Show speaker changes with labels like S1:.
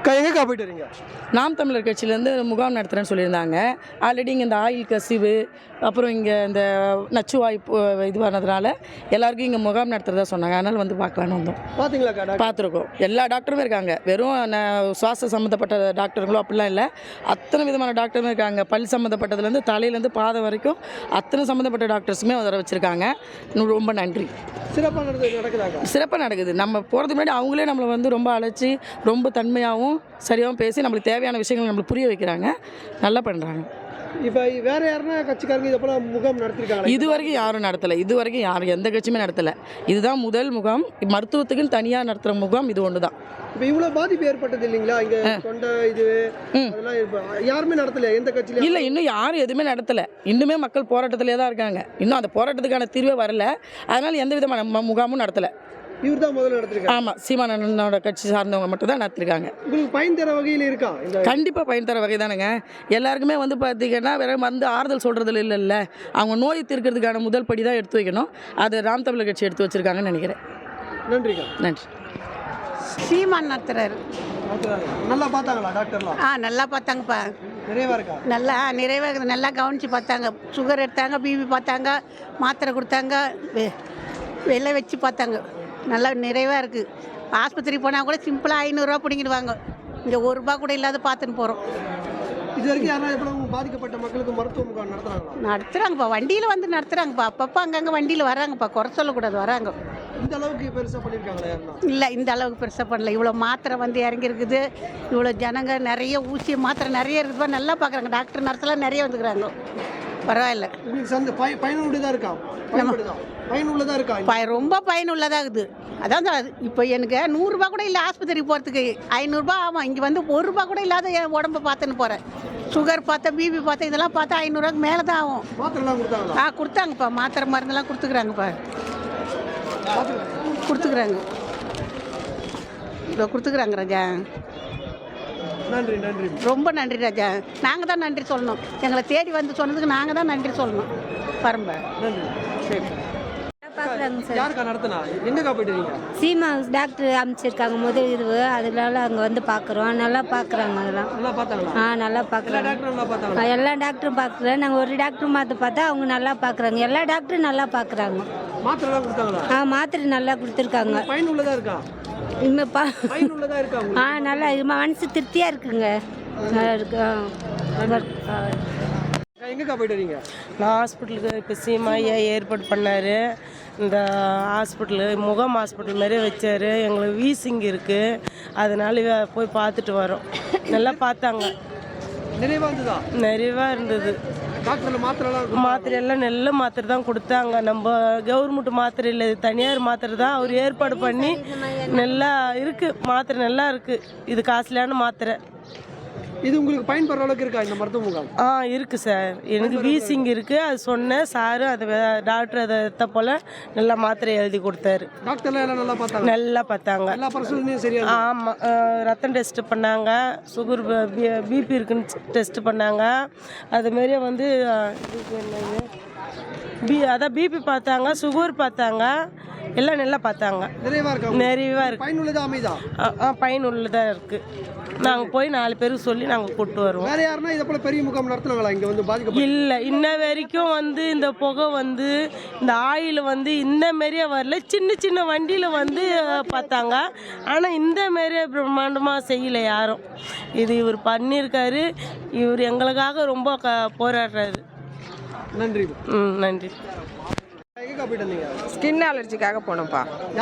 S1: எங்கேக்கா போயிட்டு வரீங்க?
S2: நாம் தமிழர் கட்சியிலேருந்து முகாம் நடத்துகிறேன்னு சொல்லியிருந்தாங்க. ஆல்ரெடி இங்கே இந்த ஆயில் கசிவு, அப்புறம் இங்கே இந்த நச்சுவாய் இது பண்ணதுனால எல்லாருக்கும் இங்கே முகாம் நடத்துகிறதா சொன்னாங்க. அதனால் வந்து பார்க்கலான்னு வந்தோம்.
S1: பார்த்தீங்களாக்கா?
S2: பார்த்துருக்கோம். எல்லா டாக்டருமே இருக்காங்க. வெறும் சுவாச சம்மந்தப்பட்ட டாக்டருங்களோ அப்படிலாம் இல்லை, அத்தனை விதமான டாக்டருமே இருக்காங்க. பல் சம்மந்தப்பட்டதுலேருந்து தலையிலேருந்து பாதம் வரைக்கும் அத்தனை சம்மந்தப்பட்ட டாக்டர்ஸுமே வர வச்சுருக்காங்க. ரொம்ப நன்றி.
S1: சிறப்பாக நடக்குதாக்கா?
S2: சிறப்பாக நடக்குது. நம்ம போகிறதுக்கு முன்னாடி அவங்களே நம்மளை வந்து ரொம்ப அழைச்சி ரொம்ப தன்மையாகவும் சரியாகவும் பேசி நம்மளுக்கு தேவையான விஷயங்களை நம்மளுக்கு புரிய வைக்கிறாங்க. நல்லா பண்ணுறாங்க.
S1: இப்போ வேறு யாருன்னா கட்சிக்காரங்க இதை போல் முகாம் நடத்திருக்காங்க?
S2: இது வரைக்கும் யாரும் நடத்தலை. இது வரைக்கும் யாரும் எந்த கட்சியுமே நடத்தலை. இதுதான் முதல் முகாம். மருத்துவத்துக்குன்னு தனியாக நடத்துகிற முகாம் இது ஒன்று தான்.
S1: இப்போ இவ்வளோ பாதிப்பு ஏற்பட்டது இல்லைங்களா? இங்கே தொண்டை இது அதெல்லாம் யாருமே நடத்தலையா? எந்த கட்சியிலும்
S2: இல்லை, இன்னும் யாரும் எதுவுமே நடத்தலை. இன்னுமே மக்கள் போராட்டத்திலே தான் இருக்காங்க. இன்னும் அந்த போராட்டத்துக்கான தீர்வே வரல. அதனால் எந்த விதமான முகாமும் நடத்தலை.
S1: இவர் தான் முதல்ல நடத்திருக்காங்க.
S2: ஆமாம், சீமானோட கட்சி சார்ந்தவங்க மட்டும் தான் நடத்திருக்காங்க.
S1: உங்களுக்கு பயன் தர வகையில் இருக்கா?
S2: கண்டிப்பாக பயன் தர வகை தானுங்க. எல்லாருக்குமே வந்து பார்த்திங்கன்னா வேற வந்து ஆறுதல் சொல்கிறதுல இல்லைல்ல, அவங்க நோய் தீர்க்கிறதுக்கான முதல் படி தான் எடுத்து வைக்கணும். அது நாம் தமிழர் கட்சி எடுத்து வச்சுருக்காங்கன்னு நினைக்கிறேன்.
S1: நன்றிக்கா.
S2: நன்றி.
S3: சீமான் நடத்துறாரு.
S1: நல்லா பார்த்தாங்களா டாக்டர்லாம்?
S3: நல்லா பார்த்தாங்கப்பா.
S1: நிறைவாக இருக்கா?
S3: நல்லா நிறைவாக இருக்குது. நல்லா கவனித்து பார்த்தாங்க. சுகர் எடுத்தாங்க, பிபி பார்த்தாங்க, மாத்திரை கொடுத்தாங்க, வெள்ளை வச்சு பார்த்தாங்க. நல்லா நிறைவாக இருக்குது. ஆஸ்பத்திரி போனால் கூட சிம்பிளாக 500 ரூபா பிடிங்கிடுவாங்க. இங்கே ₹1 கூட இல்லாத பார்த்துன்னு போகிறோம்.
S1: இது வரைக்கும் யாரும் எவ்வளவு பாதிக்கப்பட்ட மக்களுக்கு மருத்துவ முகாம்
S3: நடத்துகிறாங்கப்பா. வண்டியில் வந்து நடத்துகிறாங்கப்பா. அப்பப்போ அங்கங்கே வண்டியில் வராங்கப்பா. குறை சொல்லக்கூடாது, வராங்க.
S1: இந்த அளவுக்கு பெருசாக பண்ணியிருக்காங்களா?
S3: இல்லை, இந்த அளவுக்கு பெருசாக பண்ணல. இவ்வளோ மாத்திரை வந்து இறங்கியிருக்குது. இவ்வளோ ஜனங்க நிறைய ஊசி மாத்திரை நிறைய இருக்குதுப்பா. நல்லா பார்க்குறாங்க. டாக்டர் நர்ஸெல்லாம் நிறைய வந்துக்கிறாங்க. பரவாயில்ல.
S1: உங்களுக்கு பயனுள்ளதாக இருக்கா? பயனுள்ளதாக இருக்கா?
S3: ரொம்ப பயனுள்ளதாக இருக்குது. அதான் இப்போ எனக்கு ₹100 கூட இல்லை ஆஸ்பத்திரிக்கு போகிறதுக்கு. ₹500 ஆமாம். இங்கே வந்து ₹1 கூட இல்லாத என் உடம்பை பார்த்துன்னு போகிறேன். சுகர் பார்த்தேன், பிபி பார்த்தேன், இதெல்லாம் பார்த்தா ₹500 மேலே தான் ஆகும்.
S1: மாத்திரைலாம் கொடுத்தாங்களா?
S3: கொடுத்தாங்கப்பா. மாத்திரை மருந்தெல்லாம் கொடுத்துக்குறாங்கப்பா. கொடுத்துக்குறாங்க. இதோ கொடுத்துக்குறாங்க ராஜா.
S1: நன்றி. நன்றி.
S3: ரொம்ப நன்றி ராஜா. நாங்கள் தான் நன்றி சொல்லணும். எங்களை தேடி வந்து சொன்னதுக்கு நாங்கள் தான் நன்றி சொல்லணும். பரம்ப
S1: நன்றி.
S3: சரி.
S4: பார்க்குறாங்க சார்.
S1: யாருக்கா நடத்தினா? எங்கக்கா போயிட்டு இருக்கீங்க?
S4: சீமா டாக்டர் அமைச்சிருக்காங்க முதல் இது. அதனால அங்கே வந்து பார்க்குறோம். நல்லா பார்க்குறாங்க. அதெல்லாம்
S1: நல்லா பார்த்தாங்களா?
S4: நல்லா பார்க்குறாங்க.
S1: நல்லா பார்த்தாங்களா?
S4: எல்லா டாக்டரும் பார்க்குறேன். நாங்கள் ஒரு டாக்டர் மாற்ற பார்த்தா அவங்க நல்லா பார்க்குறாங்க. எல்லா டாக்டரும் நல்லா பார்க்குறாங்க.
S1: மாத்திரைலாம் கொடுத்தாங்களா?
S4: மாத்திரை நல்லா கொடுத்துருக்காங்க.
S1: பயனுள்ளதாக இருக்கா? பயனுள்ளதாக இருக்கா?
S4: நல்லா மனசு திருப்தியாக இருக்குங்க. நல்லா இருக்கு.
S1: எங்கக்கா போயிட்டு வரீங்க?
S5: நான் ஹாஸ்பிட்டலுக்கு இப்போ சீமாயா ஏற்பாடு பண்ணார். இந்த ஹாஸ்பிட்டலு முகாம் ஹாஸ்பிட்டல் மாதிரியே வச்சார். எங்களுக்கு வீசிங் இருக்குது. அதனால போய் பார்த்துட்டு வரோம். நல்லா பார்த்தாங்க. நிறைவாக இருந்தது. மாத்திரையெல்லாம் நல்ல மாத்திரை தான் கொடுத்தாங்க. நம்ம கவர்மெண்ட் மாத்திரை இல்லை, தனியார் மாத்திரை தான் அவர் ஏற்பாடு பண்ணி நல்லா இருக்குது. மாத்திரை நல்லா இருக்குது. இது காஸ்ட்லியான மாத்திரை.
S1: இது உங்களுக்கு பயன்படுற அளவுக்கு இருக்கா இந்த மருத்துவ முகாம்?
S5: இருக்குது சார். எனக்கு வீசிங் இருக்குது. அது சொன்னேன் சாரு. அது டாக்டர் அதை எடுத்த போல் நல்லா மாத்திரை எழுதி கொடுத்தாரு.
S1: டாக்டர்லாம் எல்லாம் நல்லா பார்த்தாங்க?
S5: நல்லா பார்த்தாங்க.
S1: எல்லா பரிசோதனையும் சரியா?
S5: ஆமாம். ரத்தம் டெஸ்ட் பண்ணாங்க. சுகர் பிபி இருக்குன்னு டெஸ்ட் பண்ணாங்க. அதுமாரியே வந்து அதான் பிபி பார்த்தாங்க, சுகர் பார்த்தாங்க. எல்லாம் நல்லா பார்த்தாங்க. நிறைவாக இருக்கு. பயனுள்ளதாக இருக்குது. நாங்கள் போய் 4 பேருக்கு சொல்லி நாங்கள் கூப்பிட்டு வருவோம்.
S1: வேற யாருன்னா இதை போல பெரிய முகாம் நடத்துனாங்களா இங்கே வந்து பாதிக்க?
S5: இல்லை, இன்ன வரைக்கும் வந்து இந்த புகை வந்து இந்த ஆயில் வந்து இந்த மாரியே வரல. சின்ன சின்ன வண்டியில் வந்து பார்த்தாங்க. ஆனால் இந்த மாரியே பிரம்மாண்டமாக செய்யலை யாரும். இது இவர் பண்ணியிருக்காரு. இவர் எங்களுக்காக ரொம்ப போராடுறாரு.
S1: நன்றி.
S5: நன்றி.
S1: எங்கக்கா போயிட்டு வந்தீங்க?
S6: ஸ்கின் அலர்ஜிக்காக போனோம்ப்பா.